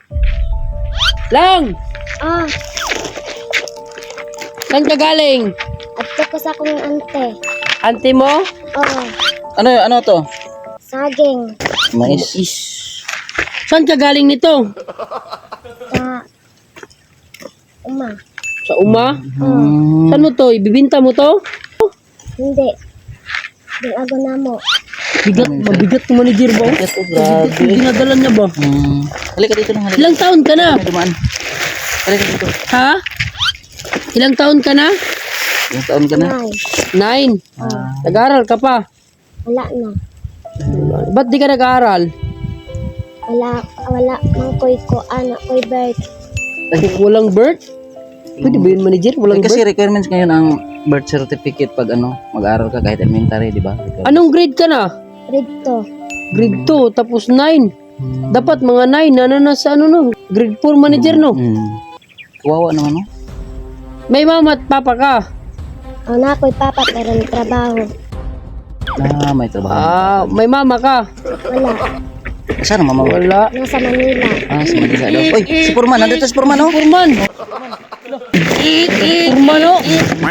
Lang! Ah, Saan ka galing? adto ko sa akong ante. Ante mo? Oh, Ano to? saging. Mais. Saan ka galing nito? Sa uma. Sa uma? Hmm. Saan mo to? Ibibinta mo to? Hindi. Dinago na mo. Mabigat ng manager ba? Ito, grabe. Dinadala niya ba? Halika dito lang, halika. Ilang taon ka na? Dumaan. Halika dito. Ha? Ilang taon ka na? Ilang taon ka na? Nay. 9. Nag-aaral ka pa? Wala na. Ba't di ka nag-aaral? Wala mang koy ko, anak koy birth. Walang birth? Pwede ba yun manager? Walang Kasi birth? requirements ngayon ang birth certificate pag mag-aaral ka kahit elementary, di ba? Anong grade ka na? Grade Grade 2, tapos 9. Dapat mga 9 na nasa no? Grade 4 manager no? Kawawa naman, no? May mama at papa ka? 2. Anak koy papa pero may trabaho. May trabaho. May mama ka? Wala. Saan ang mama mo? Wala. Nasa Manila. Sa Manila daw. Uy, si Purman. Nandito si Purman, oh. Purman! Purman oh!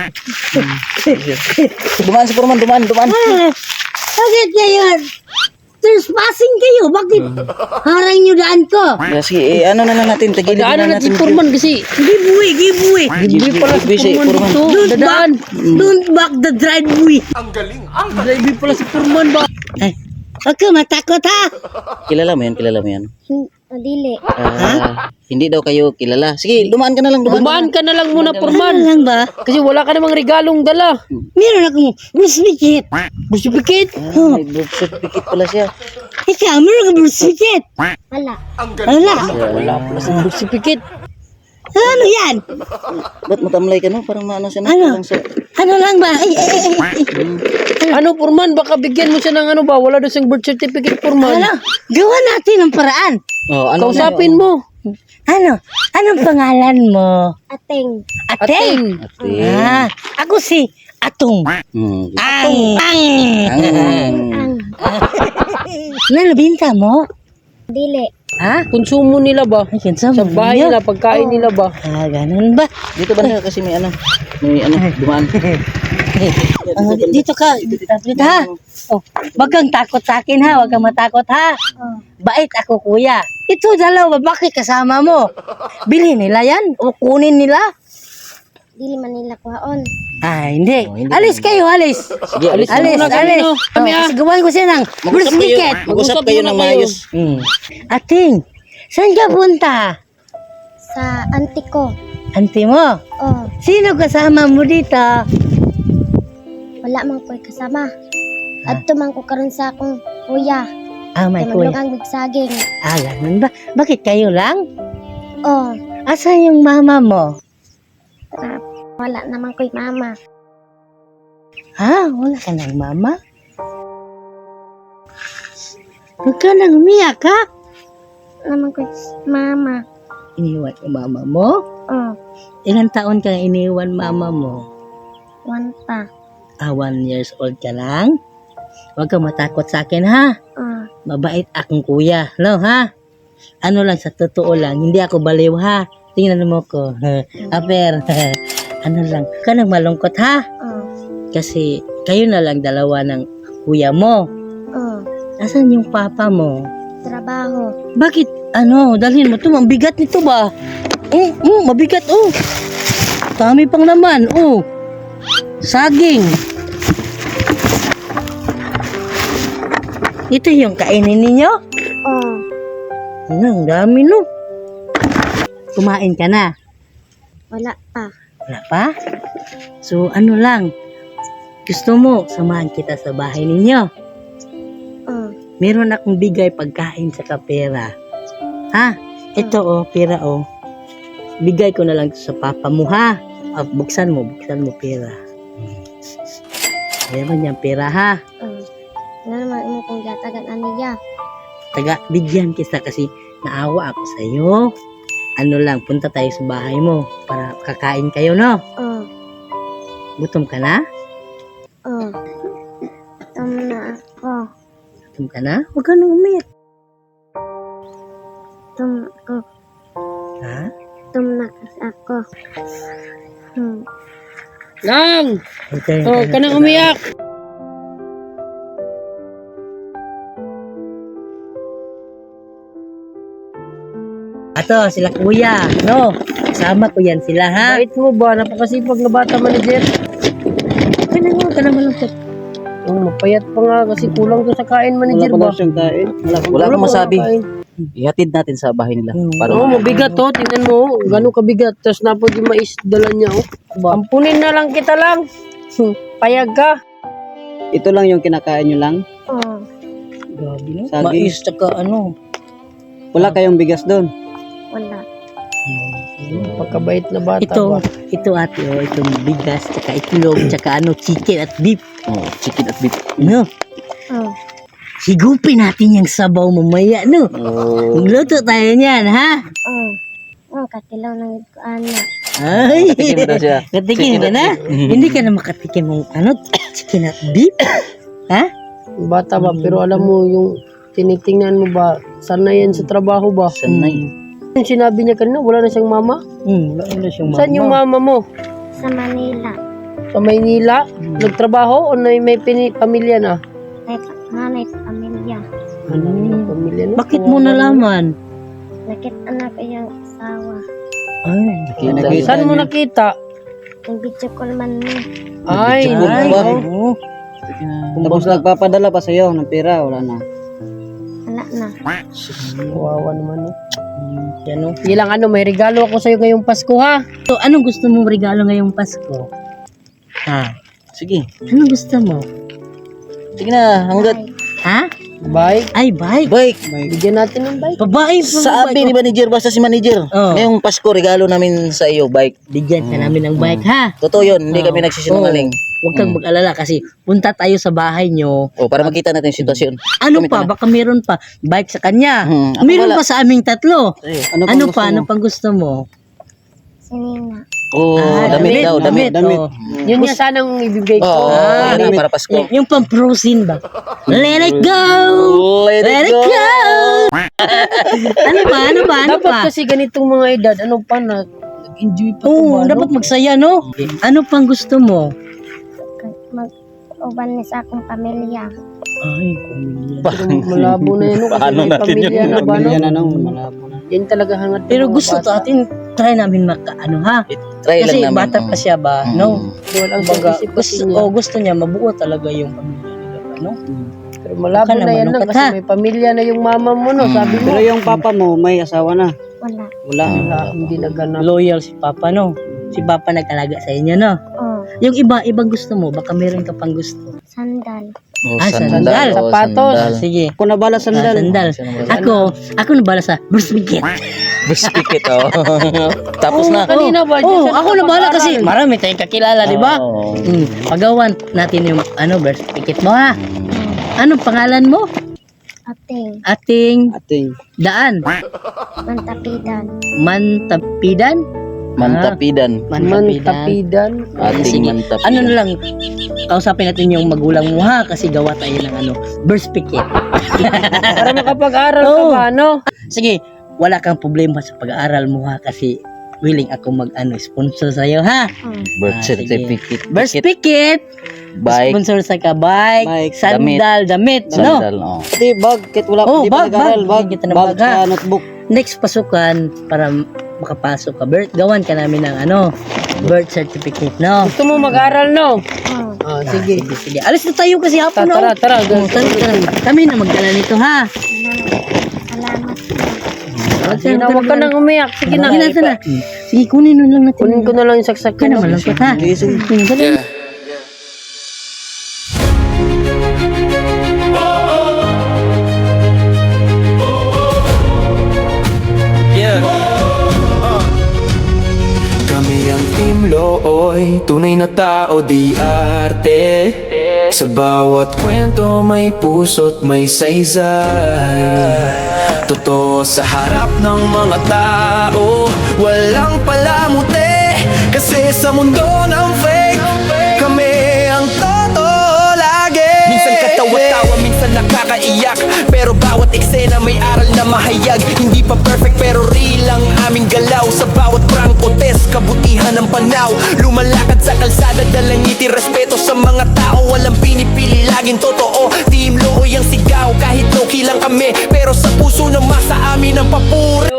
Dumaan si Purman, dumaan. Bakit ngayon? Trespassing kayo? Bakit harang nyo daan ko? Sige, ano na lang natin. Tagilid na Daanan natin natin. si Purman kasi Giveaway, giveaway. hindi pala si Purman dito. Dadaan. Don't back the driveway. Hindi pala si Purman ba? Ay, huwag ka matakot ha. Kilala mo yan? Dili. Hindi daw kayo kilala. Sige, dumaan ka na lang. Dumaan ka na lang muna Ano Purman. lang ba? Kasi wala ka namang regalong dala. Meron akong certificate. Certificate? May birth certificate pala siya. Ikaw, meron akong certificate. Wala. Wala. Wala pala sa certificate. Ano yan? Ba't matamlay ka, no? Parang maano siya, no? Ano? Parang sa... Ano lang ba? Ay. Ano Purman? Baka bigyan mo siya ng ano ba? Wala daw siyang birth certificate Purman. Ano? Gawa natin ang paraan. Ano Kausapin mo. Ano? Anong pangalan mo? Ateng. Ateng. Ating. Ako si Atong. Ang. Ang. Nalabinta mo? Dili. Ha? Konsumo nila ba? Ay, kinsa Sa mo bahay niya? nila, pagkain nila ba? Ganun ba? Dito ba na kasi may dumaan. Dito ka. Dito ha. Oh, wag kang takot sa akin ha. Wag kang matakot ha. Bait ako kuya. Ito dalawa, bakit kasama mo? Bilhin nila yan o kunin nila? Dili man nila kuhaon. Hindi. Hindi Alis kayo, alis. Sige, alis. Alis, muna kami, alis. no? Kami, Kasi gawan ko siya ng birth certificate. Mag-usap kayo ng maayos. Ating, saan ka punta? Sa auntie ko. Auntie mo? Oh, Sino kasama mo dito? wala man koy kasama. Adto man ko karon sa akong kuya. May Kay kuya. maglugang bigsaging. Ganun ba? Bakit kayo lang? Oh, Asan yung mama mo? wala naman koy mama. Wala ka ng mama? Huwag ka nang umiyak, ha? Naman koy mama. Iniwan yung mama mo? Oh, Ilang taon ka iniwan mama mo? one pa. 1 years old ka lang? Huwag kang matakot sa akin, ha? Oh, Mabait akong kuya, no, ha? Ano lang, sa totoo lang, hindi ako baliw, ha? Tingnan mo ko. Aper, ano lang, huwag ka nang malungkot, ha? oh, Kasi kayo na lang dalawa ng kuya mo. oh. Asan yung papa mo? Trabaho. Bakit, dalhin mo ito? Mabigat nito ba? Mabigat, Dami pang naman, Saging. Ito yung kainin ninyo? Oh, Ang dami, no? Kumain ka na? wala pa. Wala pa? So, ano lang? Gusto mo, samahan kita sa bahay ninyo? Oh, Meron akong bigay pagkain sa kapera. Ha? Ito, pera, Bigay ko na lang to sa papa mo, ha? Buksan mo pera. Meron niyang pera, ha? oh. Ano naman mo kung gatagan aniya? Bigyan kita kasi naawa ako sa iyo. Ano lang, punta tayo sa bahay mo para kakain kayo, no? Oh, Gutom ka na? oh. Na ako. Gutom ka na? Huwag ka nang umiyak. Tum ko. kasi ako. Lang! Okay. Oh, kanang umiyak. Ato, sila kuya. No, kasama ko yan sila, ha? Bait mo ba? Napakasipag na bata, manager. Ka na malungkot. Oh, mapayat pa nga kasi kulang to sa kain, manager ba? kain. Wala akong masabi. Ihatid natin sa bahay nila. Para Oo, mabigat to. Tingnan mo, gano'ng kabigat. Tapos napod yung mais, dala niya, oh. Ampunin na lang kita lang. Payag ka. ito lang yung kinakain nyo lang. Oo. Grabe, no? Saging. Mais, tsaka ano. Wala kayong bigas doon. Wala. Pagkabait na bata Ito, ba? ito ate, oh, itong bigas, tsaka itlog, tsaka ano, chicken at beef. Oh, chicken at beef. No? Oo. Higupin natin yung sabaw mamaya, no? Oh. Magluto tayo niyan, ha? Oo. Oo, katilaw ng ano. Ay, Tikim daw siya. katikim ka na? Mhm. Hindi ka na makatikim ng ano, chicken at beef? Ha? Bata ba? Pero alam mo, yung tinitingnan mo ba, sanay yan sa trabaho ba? Sanay. Yung sinabi niya kanina, wala na siyang mama. Wala siyang mama. Saan yung mama mo? Sa Manila. Sa Maynila? Nagtrabaho o may pamilya na? May nanay pamilya. Ano yung pamilya na? Bakit mo nalaman? Nakita na ko yung asawa. Ay, Nakita Saan mo niyo? nakita? Yung video call man mo. Ay, Picture ay, ba? oo. Tapos nagpapadala pa sa'yo ng pera, wala na. Wala na. kawawa naman. No? Yan, oh. Ilang ano, may regalo ako sa'yo ngayong Pasko ha. So, anong gusto mong regalo ngayong Pasko? Ha? Sige. Anong gusto mo? Sige na, hanggat. Ha? Bike. Ay, bike. Bike. Bigyan natin ng bike. Babae. Sabi ni manager, basta si manager. Oh. Ngayong Pasko, regalo namin sa iyo, bike. Bigyan ka namin ng bike, ha? Totoo yun, hindi kami Oo. nagsisinungaling. Huwag kang mag-alala kasi punta tayo sa bahay nyo. O, para makita natin yung sitwasyon. Ano Kami pa? na. Baka meron pa. Bike sa kanya. Ako Meron wala. pa sa aming tatlo. Ano gusto pa? mo? Ano pang gusto mo? Sinina. Oh, damit daw, damit. Oh. Yun yung sanang ibibigay ko. Oo, damit. para Pasko. Yung pang-prosin ba? Let it go! Let Let it go! Ano pa? Ano pa? Ano Dapat pa? kasi ganitong mga edad, ano pa na, nag-enjoy pa Oo, ba, dapat magsaya, no? Ano pang gusto mo? Mag-uban ni sa akong pamilya. Ay, pamilya. Pero malabo na yun, no? Kasi Paano may natin pamilya yun? na ba, no? na, malabo na. Yan talaga hangat ng Pero mga gusto bata. natin, try namin ano ha? Try Kasi lang namin. bata pa siya ba? No? Duwal ang Kumbaga, isip kasi gusto, niya. gusto niya, mabuo talaga yung pamilya nila. Ano? Pero malabo Ka na naman, yan lang ka, kasi ha? may pamilya na yung mama mo, no? Sabi mo. Pero yung papa mo, may asawa na. Wala. Wala. Wala, hindi naganap. Loyal si Papa, no? Si Papa nag-alaga sa inyo, no? Oo. Yung ibang gusto mo, baka meron ka pang gusto. Sandal. Oh, sandal. oh, Sapatos. sandal. Sige. Ako nabala sandal. Sandal. Ako nabala sa Bruce Biskit, oh. Tapos na. Kanina ba? Oh, Diyan sa ako nabala pag-aaral. kasi marami tayong kakilala, di ba? Oo. Pagawan natin yung birth certificate mo, ha? Anong pangalan mo? Ating. Ating Ating daan. Mantapidan. Mantapidan? mantapidan. Mantapidan. Ating Sige. mantapidan. Ano na lang, kausapin natin yung magulang mo, ha? Kasi gawa tayo ng birth certificate. Para makapag-aral ka Oo. ba, no? Sige, wala kang problema sa pag-aaral mo, ha? Kasi willing ako sponsor sa'yo, ha? Birth Sige. certificate. Birth certificate, Bike. sponsor sa ka, bike, Bike, sandal, damit, no? Sandal, oh. Pati bag, kahit wala Oh, hindi pa bag, nag-aral, bag. bag, Bigyan kita ng bag, bag, ha? sa notebook. Next pasukan, para makapasok ka, gawan ka namin ng birth certificate, no? Gusto mo mag-aral, no? Oo. Ah, sige. Sige. Alis na tayo kasi hapon, no? Tara, tara. Tara. Kami na magdala nito, ha? Salamat. Sige na, huwag ka nang umiyak. Sige na. Sige na. Sige, kunin na lang natin. Kunin ko na lang yung saksak Ka na ko. malungkot, ha? Dali. Kami ang Team Looy, tunay na tao di arte. Sa bawat kwento may puso't may saysay. Totoo sa harap ng mga tao, walang palamuti. Kasi sa mundo ng fake, kami ang totoo lagi. Minsan katawa-tawa, minsan nakakaiyak, pero bawat eksena may aral na mahayag. Hindi pa perfect pero real ang aming galaw. Sa bawat prank o kabutihan ng panaw. Lumalakad sa kalsada, dalang ngiti, respeto sa mga tao. Walang pinipili, laging totoo. Team Looy ang sigaw, kahit low-key lang kami, pero sa puso ng masa amin ang papuri.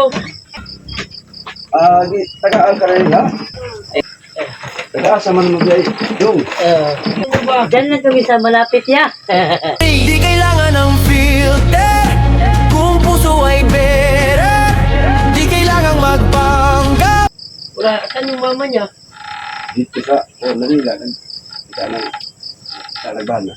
Tagaan ka rin ha? Taga-asa man mo guys. Yung. Diyan lang kami sa malapit niya. Di kailangan ng filter kung puso ay better. Di kailangang magpanggap. Wala, saan yung mama niya? Dito sa Manila. Sa Lagana.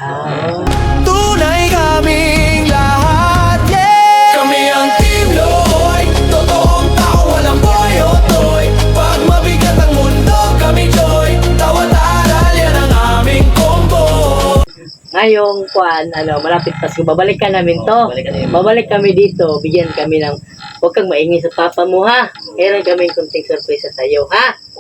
Tunay kaming lahat, yeah. Kami ang Team Looy, totoong tao, walang boy o toy. Pag mabigat ang mundo, kami joy. Tawat aral, yan ang aming combo. Ngayong malapit Pasko, babalikan namin to. Babalik kami dito, bigyan kami ng, huwag kang maingay sa papa mo ha. Meron kaming kunting sorpresa sa iyo ha.